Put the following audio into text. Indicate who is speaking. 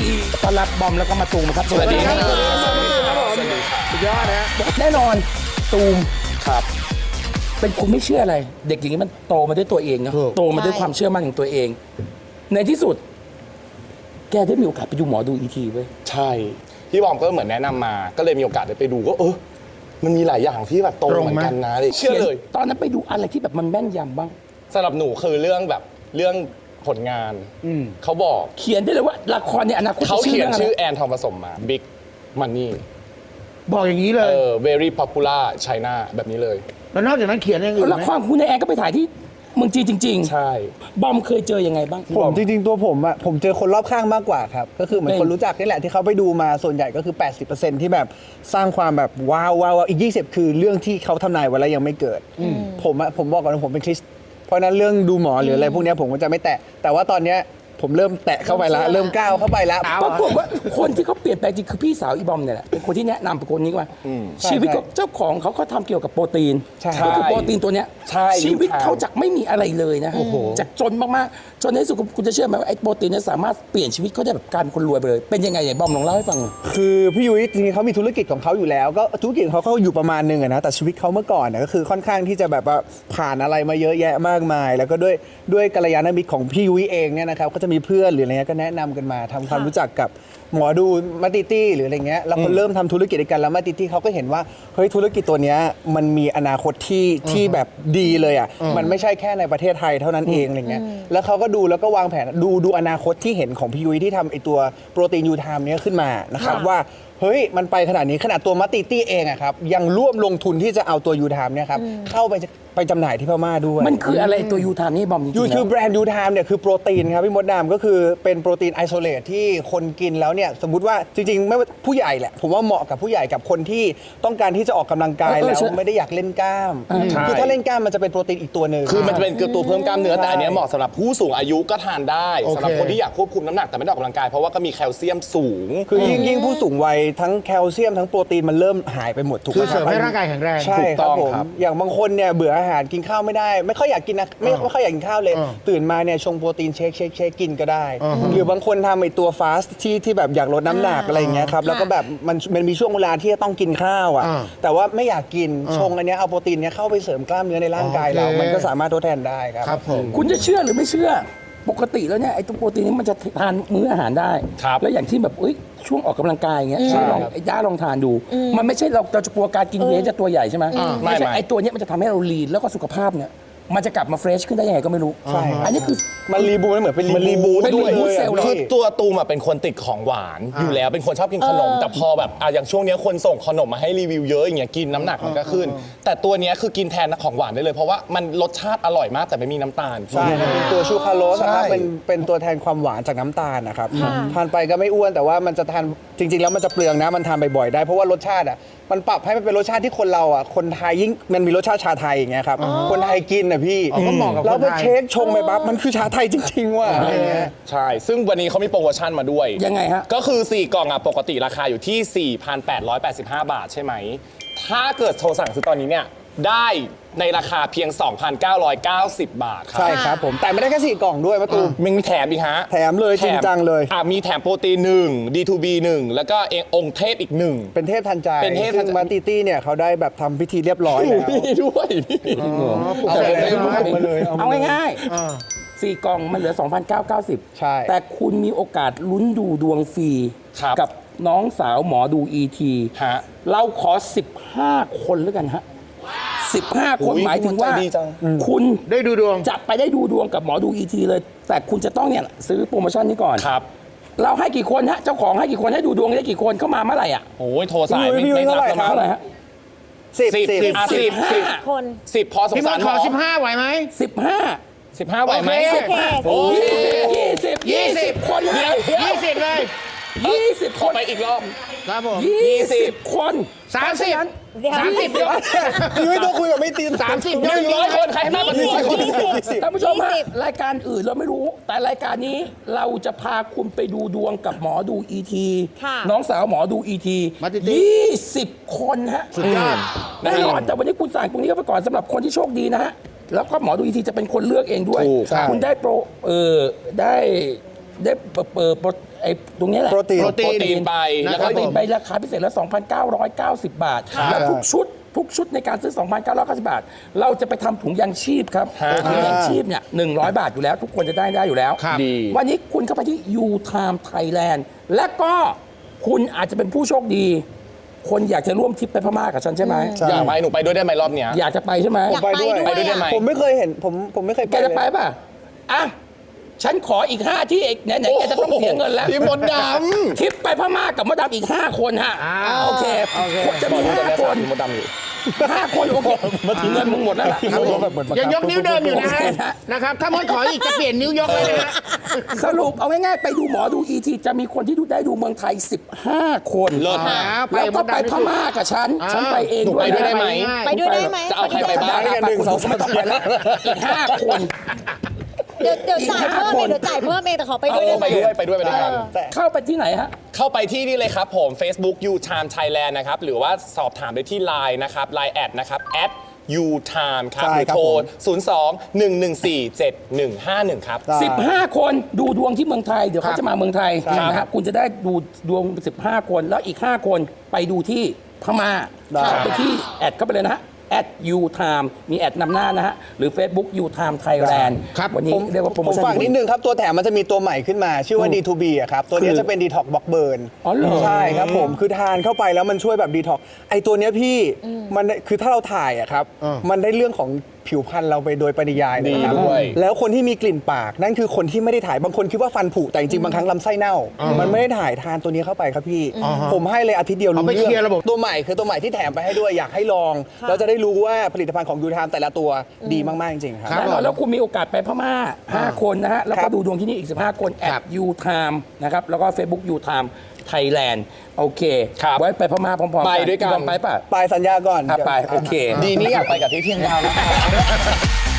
Speaker 1: ต้อนรับบอมแล้วก็มาตูมครับสวัสดีครับ
Speaker 2: สุดยอดนะ
Speaker 1: แน่นอนตูม
Speaker 2: ครับ
Speaker 1: เป็นคุณไม่เชื่ออะไร เด็กอย่างนี้มันโตมาด้วยตัวเองเนาะ
Speaker 2: ถูก
Speaker 1: โตมาด้วยความเชื่อมั่นของตัวเอง ในที่สุด แกได้มีโอกาสไปดูหมอดูอีทีเว้ย
Speaker 3: ใช่พี่บอมก็เหมือนแนะนำมา ก็เลยมีโอกาสได้ไปดูก็มันมีหลายอย่างที่แบบตรงเหมือนกันนะเลยเชื่อเลย
Speaker 1: ตอนนั้นไปดูอะไรที่แบบมันแม่นยำบ้าง
Speaker 3: สำหรับหนูคือเรื่องผลงานเขาบอก
Speaker 1: เขียนได้เลยว่าละครในอนาคต
Speaker 3: เขาเขียนชื่อ
Speaker 1: รื่งะไร
Speaker 3: แอนทองผสมมา Big Money
Speaker 2: บอกอย่างนี้เลย
Speaker 3: very popular China แบบนี้เลย
Speaker 2: แล้วนอกจากนั้นเขียนอย่างอื่น
Speaker 1: ละ
Speaker 2: ไหม
Speaker 1: ครคุณในแอนก็ไปถ่ายที่เมืองจีนจริง
Speaker 3: ใช่
Speaker 1: ๆ บอมเคยเจอยังไงบ้าง
Speaker 4: ผมจริงๆตัวผมอะผมเจอคนรอบข้างมากกว่าครับก็คือเหมือน
Speaker 1: เป็น
Speaker 4: คนรู้จักนี่แหละที่เขาไปดูมาส่วนใหญ่ก็คือ 80%ที่แบบสร้างความแบบว้าวอีก 20 คือเรื่องที่เขาทำนายไว้แล้วยังไม่เกิดผมบอกก่อนว่าผมเป็นคริสต์เพราะฉะนั้นเรื่องดูหมอหรืออะไรพวกเนี้ยผมก็จะไม่แตะแต่ว่าตอนเนี้ยผมเริ่มแตะเข้าไปแล้วเริ่มก้าวเข้าไปแล้ว
Speaker 1: ปรากฏว่าคนที่เขาเปลี่ยนแปลงจริงคือพี่สาวอีบอมเนี่ยแหละเป็นคนที่แนะนำเป็นคนนี้ว่า
Speaker 4: ใช่
Speaker 1: ชีวิตของเจ้าของเขาทำเกี่ยวกับโปรตีน
Speaker 4: ใช่
Speaker 1: ก็คือโปรตีนตัวเนี้ย
Speaker 3: ใช่
Speaker 1: ชีวิต
Speaker 3: ลูกค้า
Speaker 1: เขาจากไม่มีอะไรเลยนะจากจนมากๆจนในที่สุดคุณจะเชื่อไหมว่าไอ้โปรตีนเนี่ยสามารถเปลี่ยนชีวิตเขาได้แบบกลายเป็นคนรวยไปเลยเป็นยังไงไหนบอมลองเล่าให้ฟังหน่อย
Speaker 4: คือพี่ยุ้ยจริงๆเขามีธุรกิจของเขาอยู่แล้วก็ธุรกิจของเขาอยู่ประมาณหนึงอะนะแต่ชีวิตเขาเมื่อก่อนนะก็คือค่อนข้างที่จะแบบว่าผ่านอะไรมาเยอะแยะมากมาย แล้วก็ด้วยกัลยาณมิตรของพี่ยุ้ยเองเนี่ยนะครับก็จะมีเพื่อนหรืออะไรเงี้ยก็แนะนำกันมาทำความรู้จักกับหมอดูมาติตี้หรืออะไรเงี้ยแล้วคนเริ่มทำธุรกิจด้วยกันแล้วมาติตี้เขาก็เห็นว่าเฮ้ยธุรกิจตัวเนี้ยมันมีอนาคตที่แบบดีเลยอ่ะมันไม่ใช่แค่ในประเทศไทยเท่านั้นเองอะไรเงี้ยแล้วเขาก็ดูแล้วก็วางแผนดูอนาคตที่เห็นของพี่ยุ้ยที่ทำไอตัวโปรตีนยูไทม์เนี้ยขึ้นมานะครับว่าเฮ้ยมันไปขนาดนี้ขนาดตัวมาติตี้เองอะครับยังร่วมลงทุนที่จะเอาตัวยูไทม์เนี่ยครับเข้าไปจำหน่ายที่พม่าด้วย
Speaker 1: มันคืออะไรตัวยูทามนี่บอมจริงๆ
Speaker 4: ยู
Speaker 1: แล้ว
Speaker 4: คือแบรนด์ยูไทม์เนี่ยคือโปรตีนครับพี่มดดามก็คือเป็นโปรตีนไอโซเลตที่คนกินแล้วเนี่ยสมมุติว่าจริงๆไม่ว่าผู้ใหญ่แหละผมว่าเหมาะกับผู้ใหญ่กับคนที่ต้องการที่จะออกกำลังกายแล้วไม่ได้อยากเล่นกล้าม
Speaker 3: ใช่
Speaker 4: คือถ้าเล่นกล้ามมันจะเป็นโปรตีนอีกตัวหนึ่ง
Speaker 3: คือมันจะเป็นตัวเพิ่มกล้ามเนื้อ
Speaker 4: ใช่
Speaker 3: แต่อันเนี้ยเหมาะสำหรับผู้สูงอายุก็ทานได้
Speaker 2: โอเค
Speaker 3: สำหรับคนที่อยากควบคุมน้ำหนักแต่ไม่ได้ออกกำลังกายเพราะว่าก็มีแคลเซียมสูง
Speaker 4: คือยิ่งผู้สูงวัยทั้งแคลเซียมทั้งโปรตีนมันเริ่มหายไปหมดถูกไห
Speaker 2: คื
Speaker 4: ม
Speaker 2: อเสริมให้ร่างกายแข็งแรง
Speaker 4: ใช่
Speaker 3: ถูก
Speaker 4: ค
Speaker 3: ต้
Speaker 4: รับ
Speaker 3: อง
Speaker 4: ผม
Speaker 3: ครับ
Speaker 4: อย่างบางคนเนี่ยเบื่ออาหารกินข้าวไม่ได้ไม่ค่อยอยากกินนะไม่ค่อยอยากกินข้าวเลย ตื่นมาเนี่ยชงโปรตีนเชคกินก็ได้ หรือบางคนทำไอตัวฟาสต์ที่แบบอยากลดน้ำหนักอะไรอย่างเงี้ยครับแล้วก็แบบมันมีช่วงเวลาที่จะต้องกินข้าวอ่ะแต่ว่าไม่อยากกินชงอันเนี้ยเอาโปรตีนเนี้ยเข้าไปเสริมกล้ามเนื้อในร่างกายเรา
Speaker 2: โอเค
Speaker 4: มันก็สามารถทดแทนได้ครับ
Speaker 2: ครับผม
Speaker 1: คุณจะเชื่อหรือไม่เชื่อ ปกติแล้วเนี่ยไอ้ตัวโปรตีนนี้มันจะทานมื้ออาหารได้
Speaker 3: ครับ
Speaker 1: แล้วอย่างที่แบบช่วงออกกำลังกายอย่างเงี้ยลองไอ้ย่าลองทานดู มันไม่ใช่เราจะกลัวการกินเวย์จะตัวใหญ่ใช่ไหมไม่ใช่
Speaker 3: ไม่
Speaker 1: ไอ้ตัวเนี้ยมันจะทำให้เราลีนแล้วก็สุขภาพเนี่ยมันจะกลับมาเฟรชขึ้นได้ยังไงก็ไม่รู้
Speaker 4: ใช่ครับ
Speaker 1: อันนี้คือ
Speaker 4: มันรีบูทเหมือนเป็นรีบูท
Speaker 1: เป็น
Speaker 4: ด้วย
Speaker 1: reboot
Speaker 4: ลย
Speaker 1: เซลล์
Speaker 3: คือตัวตูมอะเป็นคนติดของหวานอยู่แล้วเป็นคนชอบกินขนม แต่พอแบบอย่างช่วงเนี้ยคนส่งขนมมาให้รีวิวเยอะอย่างเงี้ยกินน้ำหนักมันก็ขึ้น แต่ตัวเนี้ยคือกินแทนของหวานได้เลยเพราะว่ามันรสชาติอร่อยมากแต่ไม่มีน้ำตาล
Speaker 4: ใช่ครับเป็นตัวชูคาโรสนะครับ
Speaker 3: ใช่
Speaker 4: เป็นตัวแทนความหวานจากน้ำตาลนะครับทานไปก็ไม่อ้วนแต่ว่ามันจะทานจริง ๆ แล้วมันจะเปลืองนะมันทานบ่อยๆได้เพราะว่ารสชาติอ่ะมันปรับให้มันเป็นรสชาติที่คนเราอ่ะคนไทยยิ่งมันมีรสชาติชาไทยอย่างเงี้ยครับคนไทยกินอ่ะพี่
Speaker 2: ก็เหมาะกับคนไทย
Speaker 4: แล้วไปเช็คชงไปปั๊บมันคือชาไทยจริงๆว่ะอะไรเงี้ย
Speaker 3: ใช่ ซึ่งวันนี้เขามีโปรโมชั่นมาด้วย
Speaker 1: ยังไงฮะ
Speaker 3: ก็คือ 4 กล่องปกติราคาอยู่ที่ 4,885 บาทใช่ไหม ถ้าเกิดโทรสั่งซื้อตอนนี้เนี่ยได้ในราคาเพียง 2,990 บาทครับ
Speaker 4: ใช่ครับผมแต่ไม่ได้แค่4กล่องด้วยมะตูม
Speaker 3: มันมีแถมอีกฮะ
Speaker 4: แถมเลยจริงจังเลย
Speaker 3: มีแถมโปรตีน1 D2B 1 แล้วก็องค์เทพอีก 1
Speaker 4: เป็นเทพทันใจ
Speaker 3: เป็นเทพทันใจ
Speaker 4: ซึ่งมาติตี้เนี่ยเขาได้แบบทำพิธีเรียบร้อยแล้ว
Speaker 3: มีด้วยนี่
Speaker 2: เอาไปเลย
Speaker 4: มาเลย
Speaker 1: เอาง่ายๆสี่กล่องมันเหลือ 2,990
Speaker 4: ใช่
Speaker 1: แต่คุณมีโอกาสลุ้นดูดวงฟรี
Speaker 3: ครับ
Speaker 1: กับน้องสาวหมอดู ET
Speaker 3: ฮะ
Speaker 1: เราขอ 15 คนแล้วกันฮะ 15 คน
Speaker 3: อุ๊ย
Speaker 1: หมายถึงว่า
Speaker 3: ใจดีจัง
Speaker 1: คุณ
Speaker 2: ได้ดูดวง
Speaker 1: จะไปได้ดูดวงกับหมอดู ET เลย แต่คุณจะต้องเนี่ยซื้อโปรโมชั่นนี้ก่อน
Speaker 3: ครับ
Speaker 1: เราให้กี่คนฮะ เจ้าของให้กี่คนให้ดูดวงได้กี่คนเข้ามาเมื่อไหร่อ่ะ
Speaker 3: โอ้ยโทรสาย
Speaker 4: พี่ยุ้ย
Speaker 3: ไม่
Speaker 4: เท่าไหร่
Speaker 3: รับ
Speaker 4: ครับ
Speaker 1: เท่าไหร่ฮะ
Speaker 4: สิบ
Speaker 3: 10
Speaker 5: คน
Speaker 3: 10พอสง
Speaker 2: พี่ม
Speaker 3: สา
Speaker 2: ด
Speaker 3: ร
Speaker 2: ข
Speaker 3: หม
Speaker 2: อ
Speaker 3: อ
Speaker 2: 15ไหวไหม
Speaker 1: 15
Speaker 3: 15ไหวไหม
Speaker 2: โอเค
Speaker 3: โอ้ย
Speaker 1: 20 คนเลย
Speaker 2: 20เลย
Speaker 1: 20 คน
Speaker 3: ไปอีกรอบ
Speaker 2: ครับผม
Speaker 1: 20 คน
Speaker 2: 30
Speaker 5: เดี๋ยว
Speaker 2: 30เดี๋ยว
Speaker 4: ยุ้ยต้องคุยกับไม่ตีน
Speaker 2: 30เดี๋ยว
Speaker 3: 100 คนใครให้มากกว่า100 คน
Speaker 1: ท่านผู้ชมฮะรายการอื่นเราไม่รู้ แต่รายการนี้เราจะพาคุณไปดูดวงกับหมอดู ET น้องสาวหมอดู ET 20 คนฮะ
Speaker 2: สุดยอด
Speaker 1: แน่นอนแต่วันนี้คุณสั่งตรงนี้ก็ไปก่อนสำหรับคนที่โชคดีนะฮะ แล้วก็หมอดู ET จะเป็นคนเลือกเองด้วย
Speaker 3: ถูก
Speaker 1: คุณได้โปรได้อ้ตรงนี้แหละ
Speaker 4: โปรตีน
Speaker 3: โปรตีนไป
Speaker 1: แล้
Speaker 3: แล้ว ว
Speaker 1: ก็
Speaker 3: ก็
Speaker 1: มีใบราคาพิเศษแล้ว 2,990 บาท แล้วทุกชุดในการซื้อ 2,990 บาท เราจะไปทำถุงยางชีพครับถุงยางชีพเนี่ย100 บาทอยู่แล้ว ทุกคนจะได้อยู่แล้ว
Speaker 2: ครับ
Speaker 3: ดี
Speaker 1: วันนี้คุณเข้าไปที่ U-Time Thailand และก็คุณอาจจะเป็นผู้โชคดี คนอยากจะร่วมทริปไปพม่ากับฉันใช่ไหม
Speaker 4: ใช่
Speaker 3: อยากไปหนูไปด้วยได้ไหมรอบเนี้ย
Speaker 1: อยากจะไปใช่ไหม
Speaker 5: อยากไปด้วย
Speaker 3: ไปด้วยได้ไหม
Speaker 5: อะ
Speaker 4: ผมไม่เคยเห็นผมไม่เคย
Speaker 1: แกจะไปป่ะอ่ะฉันขออีก 5 ที่เอกไหนๆแกจะต้องเสียเงินแล้ว
Speaker 3: พี่มดด
Speaker 1: ทริปไปพม่ากับมดดำอีก 5 คนฮะโอเคจะมี 5 คน
Speaker 3: พี่มดดำอยู่
Speaker 1: 5 คนโอเคเงินมึงหมดแล้วล่ะ
Speaker 2: ยังยกนิ้วเดิมอยู่นะฮะ
Speaker 1: โอเคฮะ
Speaker 2: นะครับ ถ้ามดขออีกจะเปลี่ยนนิ้วยกเลยนะฮะ
Speaker 1: สรุปเอาง่ายๆไปดูหมอดูอีทีจะมีคนที่ได้ดูเมืองไทย 15 คน
Speaker 3: เลิศมาก
Speaker 1: แล้วก็ไปพม่ากับฉันไปเอง
Speaker 3: หนู
Speaker 1: ด้วย
Speaker 3: ไปด้วยได้ไหม
Speaker 5: ไปด้วยได้ไหม
Speaker 3: จะเอาใครไปบ้าง
Speaker 1: ไป1 2 3ไม่ต้องไปแล้วอีก 5 คน
Speaker 5: เดี๋ยวจ่ายเพิ่มเองเดี๋ยวจ่ายเพิ่มเองแต่ขอไปด้วยได้ไหม
Speaker 3: ไปด้วยกัน
Speaker 1: เข้าไปที่ไหนฮะ
Speaker 3: เข้าไปที่นี่เลยครับผม Facebook U-Time Thailand นะครับ หรือว่าสอบถามได้ที่ Line นะครับ Line แอดนะครับ @U-Time ครับ
Speaker 4: ใช่
Speaker 3: หรือ
Speaker 4: ครับ
Speaker 3: โทร
Speaker 4: ผม
Speaker 3: 02-114-7151 ครับ
Speaker 4: ได้
Speaker 1: 15 คนดูดวงที่เมืองไทย เดี๋ยวเขาจะมาเมืองไทย
Speaker 4: ครับ
Speaker 1: นะฮะคุณจะได้ดูดวง 15 คนแล้วอีก 5 คนไปดูที่พม่า
Speaker 4: ได้
Speaker 1: เข้าไปที่แอดเข้าไปเลยนะฮะ@U-Time มีแอดนำหน้านะฮะ หรือ Facebook U-Time Thailand
Speaker 2: ครับ
Speaker 1: วันนี้
Speaker 4: ผม
Speaker 1: เรียกว่าโปรโม
Speaker 4: ผม
Speaker 1: ชั่น
Speaker 4: ฝากนิดนึงครับ ตัวแถมมันจะมีตัวใหม่ขึ้นมา ชื่อว่า D2B อะครับ ตัวนี้
Speaker 1: คือ
Speaker 4: จะเป็น Detox Block Burn
Speaker 1: อ๋อเหรอ
Speaker 4: ใช่ครับผมคือทานเข้าไปแล้วมันช่วยแบบ Detox ไอตัวเนี้ยพี่มันคือถ้าเราถ่ายอะครับ มันได้เรื่องของผิวพรรณเราไปโดยปริยายเลยนะครับ
Speaker 3: ดีด้วย
Speaker 4: แล้วคนที่มีกลิ่นปากนั่นคือคนที่ไม่ได้ถ่ายบางคนคิดว่าฟันผุแต่จริงๆบางครั้งลำไส้เน่า มันไม่ได้ถ่ายทานตัวนี้เข้าไปครับพี่ ผมให้เลยอาทิตย์เดียวรู้
Speaker 2: เอาไปเคลียร์ระบบ
Speaker 4: ตัวใหม่คือตัวใหม่ที่แถมไปให้ด้วยอยากให้ลองแล้วจะได้รู้ว่าผลิตภัณฑ์ของยูทามแต่ละตัวดีมากๆจริงๆครับ
Speaker 1: แน่นอนแล้วคุณมีโอกาสไปพม่า 5 คนนะฮะ แล้ว
Speaker 4: ค
Speaker 1: ก็
Speaker 4: รับ
Speaker 1: ดูดวงที่นี่อีก 15 คน
Speaker 2: ครับ
Speaker 1: @U-Time นะครับ แล้วก็ Facebook U-Time Thailand โอเค
Speaker 3: ครับ
Speaker 1: ไว้ไปพม่าพร้อมๆ
Speaker 3: ไปด้วยกัน
Speaker 1: ไปป่ะ
Speaker 4: ไปสัญญาก่อน
Speaker 1: อ่ะไป โอเค
Speaker 3: ดีนี้อยากไปกับพี่เพียงดาวนะครับ